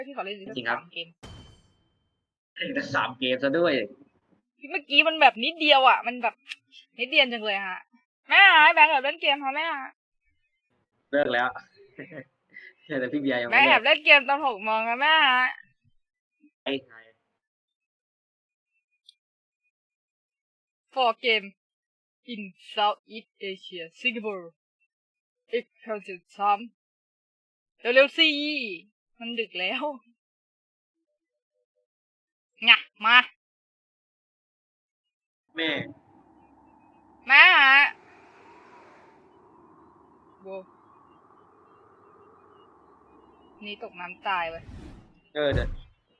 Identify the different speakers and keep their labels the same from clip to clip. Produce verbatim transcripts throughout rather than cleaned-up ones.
Speaker 1: ที่เขาเล่นจริงครับเกม
Speaker 2: แต่สามเกมซะด้วย
Speaker 1: เมื่อกี้มันแบบนิดเดียวอ่ะมันแบบนิดเดียวจังเลยฮะแม่หายแบงค์แอบเล่นเกมเขาแม่
Speaker 2: เลิกแล้วแต่พี่เบียร์ยังไม่
Speaker 1: แม่
Speaker 2: เลิ
Speaker 1: แอก บเล่นเกมตอนหกโมงนะแม่ฮะ
Speaker 2: ไอ้ไง
Speaker 1: for game in Southeast Asia Singapore อีกครั้งสุดท้ายเร็วๆสิมันดึกแล้วไงมา
Speaker 2: แม่
Speaker 1: แม่ฮะโบนี่ตกน้ำตายไป
Speaker 2: เออเดี๋ยว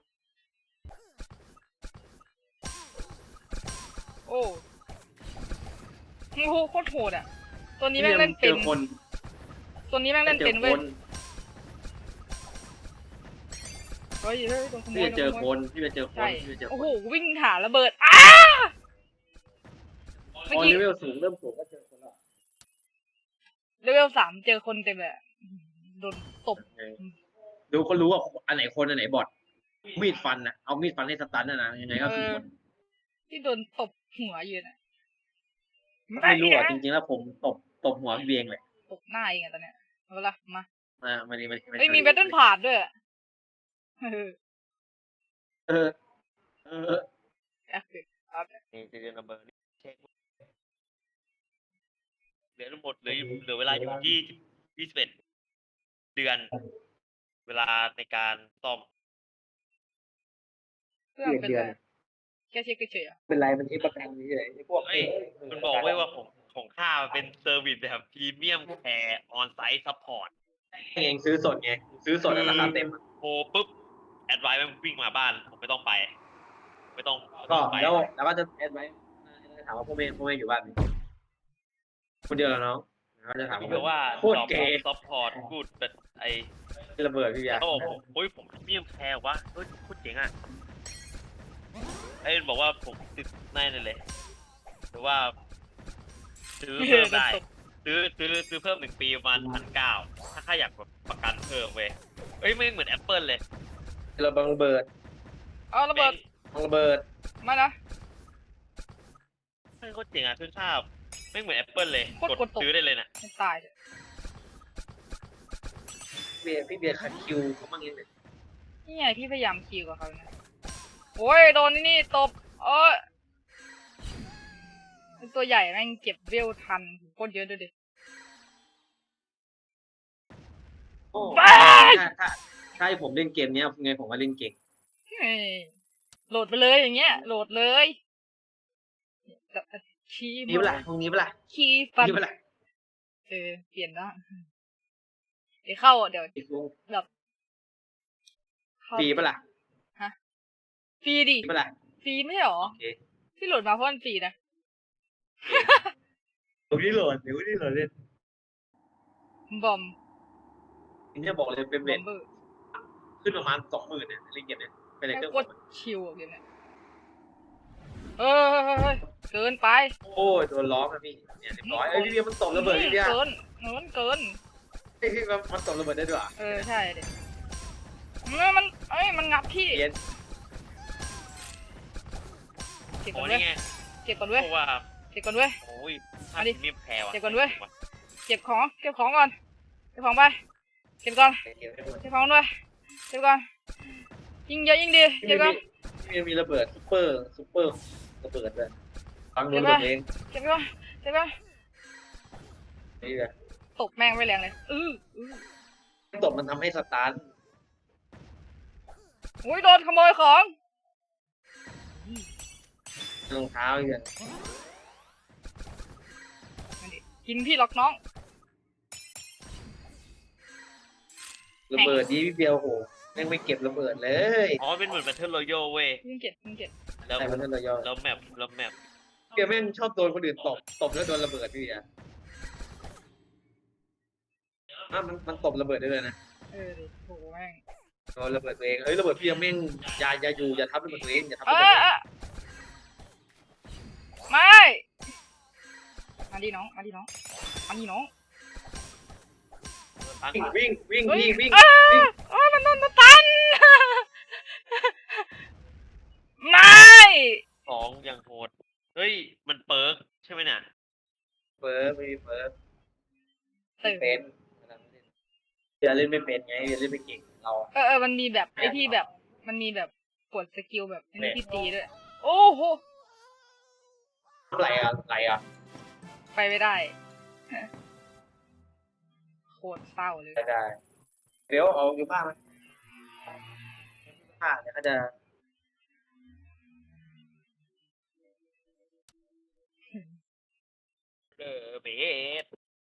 Speaker 1: โอ้โหโคตรโหดอ่ะตัวนี้แม่งเล่นเป็นตัวนี้แม่งเล่นเป็นเว้ยเฮ้ยเฮ้ยโดนขโมย
Speaker 2: พี่จะเจอคนพี่จะเจอคนพี่จะเจอคน
Speaker 1: โอ้โหวิ่งหาระเบิดอ้า
Speaker 2: พอเลเวลสูงเริ่มสูงก็เจอคนละ
Speaker 1: เลเวลสามเจอคนเต็มเลยโดนตบ
Speaker 2: ดูก็รู้ว่าอันไหนคนอันไหนบอทมีดฟันนะเอามีดฟันให้สตันนะนะยังไงก็คือคน
Speaker 1: ที่โดนตบหัวอยู่น่ะ
Speaker 2: ไม่รู้อ่ะจริงๆแล้วผมตบตบหัวพี่เบียงเลย
Speaker 1: ตบหน้าเองอะตอนเนี้ยเอาละมา
Speaker 2: อ่ามาดีมาดี
Speaker 1: เฮ้ยมีแบตเทิลพาดด้วยเออ
Speaker 2: เออเออ
Speaker 3: นี่จะเรียนนัมเบอร์นี่เช็คเหลือทั้งหมดเหลือเหลือเวลาอยู่ยี่ยี่สิบเอ็ดเดือนเวลาในการซ่อม
Speaker 1: เพื่อนเป็นไรแค่เช็คเฉยๆ
Speaker 2: เป็นไรมันเอประกันนี่เลยไอ้พวก
Speaker 3: เฮ้ยมันบอกไว้ว่าของของข้าเป็นเซอร์วิสแบบพรีเมียมแคร์ออนไซต์ซัพพอร์ต
Speaker 2: เองซื้อสดไงซื้อสดราคาเต็ม
Speaker 3: โทรปุ๊บแอดไวซ์มันวิ่งมาบ้านผมไม่ต้องไปไม่ต้อง
Speaker 2: ก็แล้วแล้วก็จะแอดไว้ถามว่าพวกเมย์พวกเมย์อยู่บ้านคนเดียวแล้วน้องเขาจะถาม
Speaker 3: ว่า
Speaker 2: โคตรเก๋
Speaker 3: ซัพพอร์ตกูดแต่ไอ
Speaker 2: ระเบิดพี่ยา
Speaker 3: เขาบอกโอ้ยผมพรีเมียมแคร์วะเฮ้ยโคตรเจ๋งอ่ะไอ้บอกว่าผมติดแน่เลยหรือว่าซื้อเพิ่มได้ซื้อซื้อซื้อเพิ่มหนึ่งปีประมาณพันเก้าถ้าข้าอยากแบบประกันเพิ่มเว้ยเอ้ยไม่เหมือนแอปเปิลเลย
Speaker 2: ระเบิดระเบิด
Speaker 1: เอาระเบิด
Speaker 2: ระเบิด
Speaker 1: มานะ
Speaker 3: ไม่โคตรเจ๋งอ่ะขึ้นภาพไม่เหมือนแอปเปิลเลยกดซื้อได้เลยนะ
Speaker 1: ไม่ตายเลย
Speaker 2: เบียร์พี่เบียร์คัดคิวเขาบ้างยังไง
Speaker 1: นี่ไงพี่พยายามคิวกับเขาเนี่ยโอ้ยโดนนี่นี่ตบเออตัวใหญ่แม่งเก็บเวลทันโคตรเยอะด้วยดิ
Speaker 2: ถ้าถ้าถ้าให้ผมเล่นเกมเนี้ยไงผมว่าเล่นเก่ง
Speaker 1: โหลดไปเลยอย่างเงี้ยโหลดเลยคีย์
Speaker 2: นี่เปล่าตรงนี้เปล่า
Speaker 1: คีย์ฟัน
Speaker 2: นี่เปล่า
Speaker 1: เออเปลี่ยนได้เดี๋ยวเข้าเดี๋ยวแบบ
Speaker 2: ฟรีเปล่า
Speaker 1: ฮะฟรีดิ
Speaker 2: เปล่า
Speaker 1: ฟรีไม่หรอที่โหลดมาเพราะมันฟรีนะ
Speaker 2: เดี๋ยวนี้โหลดเดี๋ยวนี้โหลดเล่น
Speaker 1: บอม
Speaker 2: นี่จะบอกเลยเป็นเบ็ดขึ้นประมาณสองหมื่นเนี่ยเล่นเกมเนี่ยเป็นอะไร
Speaker 1: ก็ชิวเกมเนี่ยเออเกินไป
Speaker 2: โอ้ยโดนล้อมาพี่เนี่ยเรียบร้อยเอ้ยพี่เบียร์มันตกระเบิดพี่เบียร์
Speaker 1: เกินเกินเกิน
Speaker 2: ไอ้พี่มันมันตกระเบิดได้ด้วย
Speaker 1: เออใช่เด็กมันมันเอ้ยมันงับพี่
Speaker 2: เย็น
Speaker 1: เก็บก่อนเว้ยเก็บก่อนเว้ยเก็บก่อนเว้ย
Speaker 3: โอ้ยมาดิเก็บ
Speaker 1: เก็บก่อนเว้ยเก็บของเก็บของก่อนเก็บของไปเก็บก่อนเก็บของด้วยเก็บก่อนยิงเยอะยิงดีเก็บก่อน
Speaker 2: มีมีระเบิดซุปเปอร์ซุปเปอร์ระเบิดเลยฟังดูตัวเอง
Speaker 1: เก็บก่อนเก็บก่อน
Speaker 2: นี่แหละ
Speaker 1: ตกแม่งไม่แรงเลยอื้อ
Speaker 2: ตกมันทำให้สตาร์ท
Speaker 1: โอ้ยโดนขโมยของ
Speaker 2: รองเท้าอีกอย่าง
Speaker 1: กินพี่ล็อกน้อง
Speaker 2: ระเบิดนี้พี่เบียวโหยังไม่เก็บระเบิดเลย
Speaker 3: อ๋อเป็นเหมือนแบทเทิลรอยัลเว้ย
Speaker 1: ยิงเก็บยิงเก็บ
Speaker 3: แล้วแบทเทิลรอยัลแล้วแมปแล้วแมป
Speaker 2: เบียแม่งชอบโดนคนอื่นตบตบแล้วโดนระเบิดพี่อ่ะอ่ะมันมันตบระเบิดได้เลยนะ
Speaker 1: เออดิโหแม่ง
Speaker 2: โดนระเบิดตัวเองเอ้ยระเบิดพี่ยังแม่งอย่าอย่าอยู่อย่าทับระเบิดตัวเองอย่าทับ
Speaker 1: ระเบิดไม่มาดิน้องมาดิน้องมาดิน้อง
Speaker 2: วิ่งวิ่งวิ่งวิ่งวิ่ง
Speaker 1: อ๋อมันโดนมาตัน
Speaker 2: ล่นไม่เป็นไงเล่นไม่เก่งเรา
Speaker 1: เออเออมันมีแบบไอ้ที่แบบมันมีแบบกดสกิลแบบไอ้นี่ที่ตีด้วยโอ้โห
Speaker 2: อะไรอ่ะอะไรอ่ะ
Speaker 1: ไปไม่ได้โคตรเศร้าเลย
Speaker 2: ได้ได้เดี๋ยวเอาอยู่บ้านไหมผ้าเนี่ยก็จะ
Speaker 3: เออเบส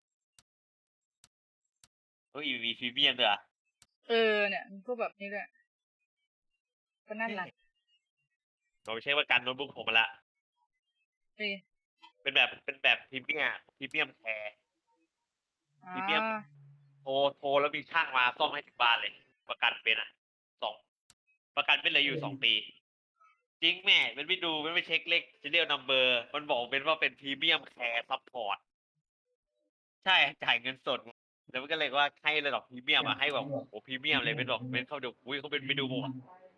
Speaker 3: เฮ้ยมีพรีเมียมด้วยอ่ะ
Speaker 1: เออเนี่ยมันพวกแบบนี้ด้วยก็น่ารัก
Speaker 3: เราไม่ใช่ว่าการโน้ตบุ๊กผมมาละ
Speaker 1: เอ้ย
Speaker 3: เป็นแบบเป็นแบบพรีเมียมพรีเมียมแคร์
Speaker 1: อ่า
Speaker 3: พรีเมียม โทรโทรแล้วมีช่างมาซ่อมให้ถึงบ้านเลย ประกันเป็นอ่ะสองประกันเป็นเหลยอยู่สองปี จริงแม่มันไม่ดูมันไม่เช็คเลขซีเรียลนัมเบอร์มันบอกเป็นว่าเป็นพรีเมียมแคร์ซัพพอร์ตใช่จ่ายเงินสดแล้วมันก็เลยว่าให้ระดับพรีเมียมอ่ะให้แบบโอ้พรีเมียมเลยเป็นบอกเป็นเขาดูอุ้ยเขาเป็นไปดูหมด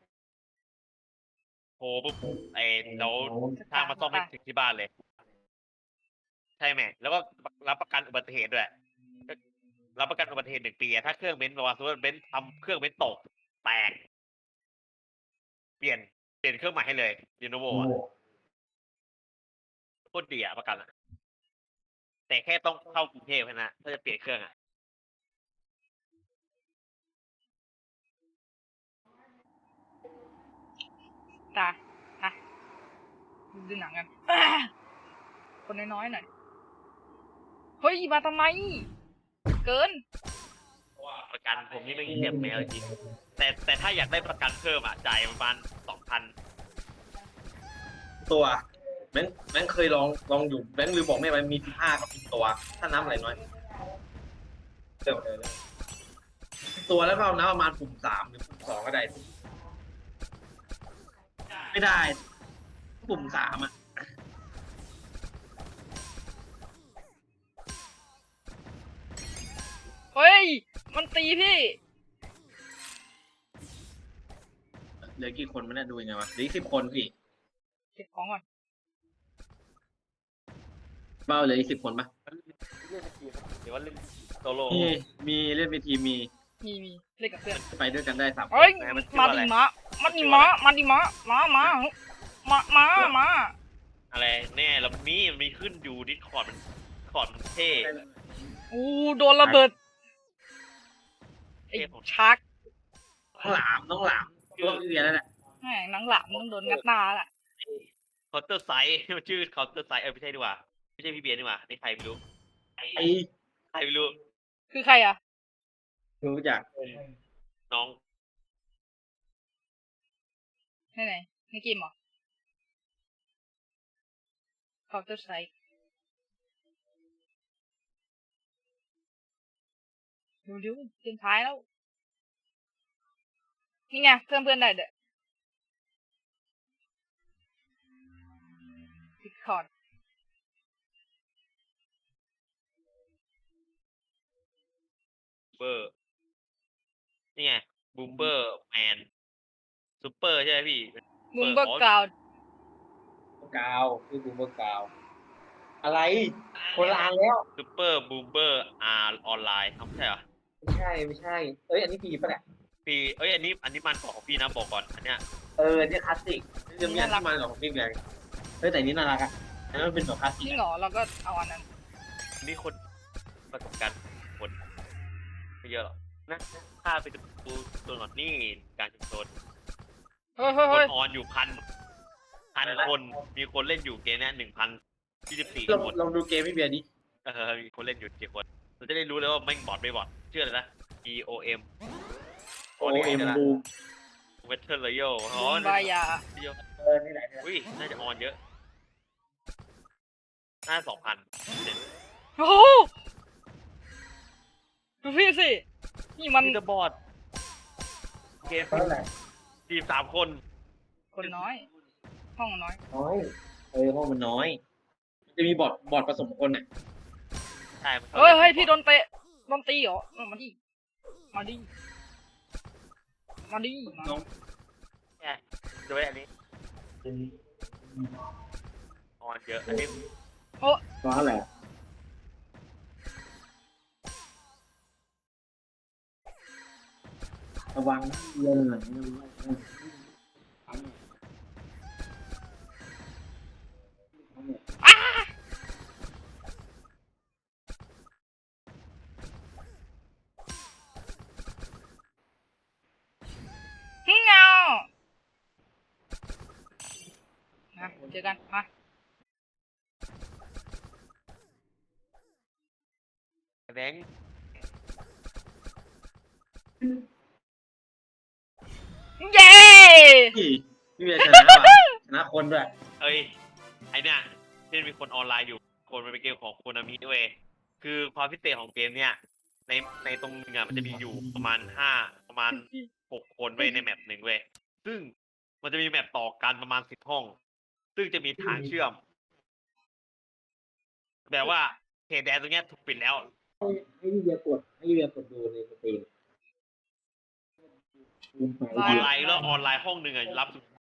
Speaker 3: โทรปุ๊บไอ้แล้วช่างมาซ่อมให้ถึงที่บ้านเลย ใช่ไหมแล้วก็รับประกันอุบัติเหตุด้วยรับประกันอุบัติเหตุหนึ่งปีอะถ้าเครื่องเบนซ์บอกว่าสมมติว่าเบนซ์ทำเครื่องเบนซ์ตกแตกเปลี่ยนเปลี่ยนเครื่องใหม่ให้เลยรีโนโวอ่ะโคตรดีอ่ะประกันอ่ะแต่แค่ต้องเข้ากรุงเทพแค่นั้นถ้าจะเปลี่ยนเครื่องอ่ะ
Speaker 1: ตาตาดูหนังกัน คนน้อยๆหน่อยเฮ้ยมาทำไม เกิน
Speaker 3: ประกันผมนี่ไม่เจ็บแมวจริงแต่แต่ถ้าอยากได้ประกันเพิ่มอ่ะจ่ายประมาณสองพัน
Speaker 2: ตัวแบงค์แบงค์เคยลองลองอยู่แบงค์ลืมบอกแม่มันมีสิบห้ากับสิบตัว ถ้าน้ำอะไรน้อยเดี๋ยวเดี๋ยวเดี๋ยวตัวแล้วก็เอาน้ำประมาณปุ่มสามหรือปุ่มสองก็ได้ ไม่ได้ ปุ่มสามอ่ะ
Speaker 1: เฮ้ย มันตีพี่
Speaker 2: เหลือกี่คนมันน่ะดูยังไงวะเหลืออีกสิบคนพี่
Speaker 1: เก็บของก่อน
Speaker 2: เบ้าเหลืออีกสิบคนปะ
Speaker 3: หรือว่าเล่นโซโล่
Speaker 2: มีมีเล่นเวทีมี
Speaker 1: มีมีเล่นกับเพื่อน
Speaker 2: ไปด้วยกันได้สามคน
Speaker 1: เฮ้ย มาดิมะมาดิมะมาดิมะมามามามามา
Speaker 3: อะไรแน่แล้วมีมันมีขึ้นอยู่ดิสคอร์ดมันคอร์ดมันเท่
Speaker 1: อู้โดนระเบิด ไอ้ชัก
Speaker 2: น้องหลามน้องหลามตัวเรียนนั่นแหละ
Speaker 1: แหมหนังหลังต้องโดนงัดหน้าแหละ
Speaker 3: เคาน์เตอร์ไซส์มันชื่อเคาน์เตอร์ไซส์เออไม่ใช่ดีกว่าไม่ใช่พี่เบียร์ดีกว่านี่ใครไม่รู้
Speaker 2: ไอ้
Speaker 3: ใครไม่รู้
Speaker 1: คือใครอ่ะ
Speaker 2: รู้จัก
Speaker 3: น้อง
Speaker 1: ไหนไหนในเกมเหรอ Counter Strike เร็วๆเกมท้ายแล้ว นี่ไงเพื่อนเพื่อนได้เด้อ Discord
Speaker 3: เบอร์นี่ไงบูมเบอร์แมนซูเปอร์ใช่ไหมพี่
Speaker 1: มุมเบอร์กราวด์
Speaker 2: กาวคือบูมเบอร์กาว อะไรคนละอันแล้ว
Speaker 3: ซูเปอร์บูมเบอร์อาร์ออนไลน์ไม่ใช่เหรอ
Speaker 2: ไม่ใช่ไม่ใช่ เอ้ยอันนี้ปีปะเนี่ย
Speaker 3: พี่เอ้ยอันนี้อันนี้มันของพี่นะบอกก่อนอันเนี้ย
Speaker 2: เออเนี่ยคลาสสิกเรื่องนี้ที่มันของพี่แบงค์เฮ้ยแต่นี้น่ารักอ่ะอันนั้นมันเป็นแบบคลาสสิ
Speaker 1: จ
Speaker 2: ก
Speaker 1: ริงเหรอเราก็เอาอันนั้น
Speaker 3: มีคนประสบการณ์คนไม่เยอะหรอกนะถ้าไปดูตัวหนอดนี่การชุมชน
Speaker 1: เฮ้ยเฮ้ย
Speaker 3: ค
Speaker 1: เฮ้
Speaker 3: น
Speaker 1: ย
Speaker 3: ออนอยู่พันพันคนมีคนเล่นอยู่เกมเนี้ยหนึ่งพันยี่สิบสี่
Speaker 2: ลอง
Speaker 3: คน
Speaker 2: ลองดูเกมพี่เบียร์ดิ
Speaker 3: เออมีคนเล่นอยู่กี่คนเราจะได้รู้เลยว่าไม่งบอดไม่บอดชื่ออะไรนะ E O M
Speaker 2: โอเอ็มบูม
Speaker 3: เวทเทอร์เลยโยอ๋อ
Speaker 1: บุมบายา
Speaker 2: เออนี่แหละ
Speaker 3: อุ้ยน่าจะออนเยอะน่าสองพัน
Speaker 1: โอ้โหดูพี่สิ นี่มัน
Speaker 3: มีเดอะบอร์ดเกม
Speaker 2: เท่าไหร่
Speaker 3: ทีมสามคน
Speaker 1: คนน้อย ห้องน้อย
Speaker 2: น้อยเออห้องมันน้อยมันจะมีบอร์ดบอร์ดผสมคนอ่ะ
Speaker 3: ใช่มัน
Speaker 1: เฮ้ยเฮ้ยพี่โดนเตะโดนตีเหรอเออมาดิ มาดิ มาดิมา
Speaker 2: น้อง
Speaker 3: ใช่ดูไว้อันนี้ออนเยอะอันนี้
Speaker 2: น้องเท่าไหร่
Speaker 4: ระวังเรื่องไหนนะ
Speaker 1: อ้าเงานะเจอกันมา
Speaker 3: แบงค์
Speaker 1: เย้
Speaker 2: พี่พี่เบียร์ชนะว่ะชนะคนด้วย
Speaker 3: เอ้ยไอเนี่ยที่มีคนออนไลน์อยู่คนมันเป็นเกมของโคนามิด้วยคือความพิเศษของเกมเนี่ยในในตรงนึงอ่ะมันจะมีอยู่ประมาณห้าประมาณหกคนเว้ยในแมปหนึ่งเว้ยซึ่งมันจะมีแมปต่อกันประมาณสิบห้อง ซึ่งจะมีทางเชื่อม แบบว่าเขตแดนตรงเนี้ยถูกปิดแล้ว
Speaker 4: ให้ให้พี่เบียร์กดให้พี่เบียร์กดดูในสตรีม
Speaker 3: ออนไลน์แล้วออนไลน์ห้องหนึ่งอ่ะรับ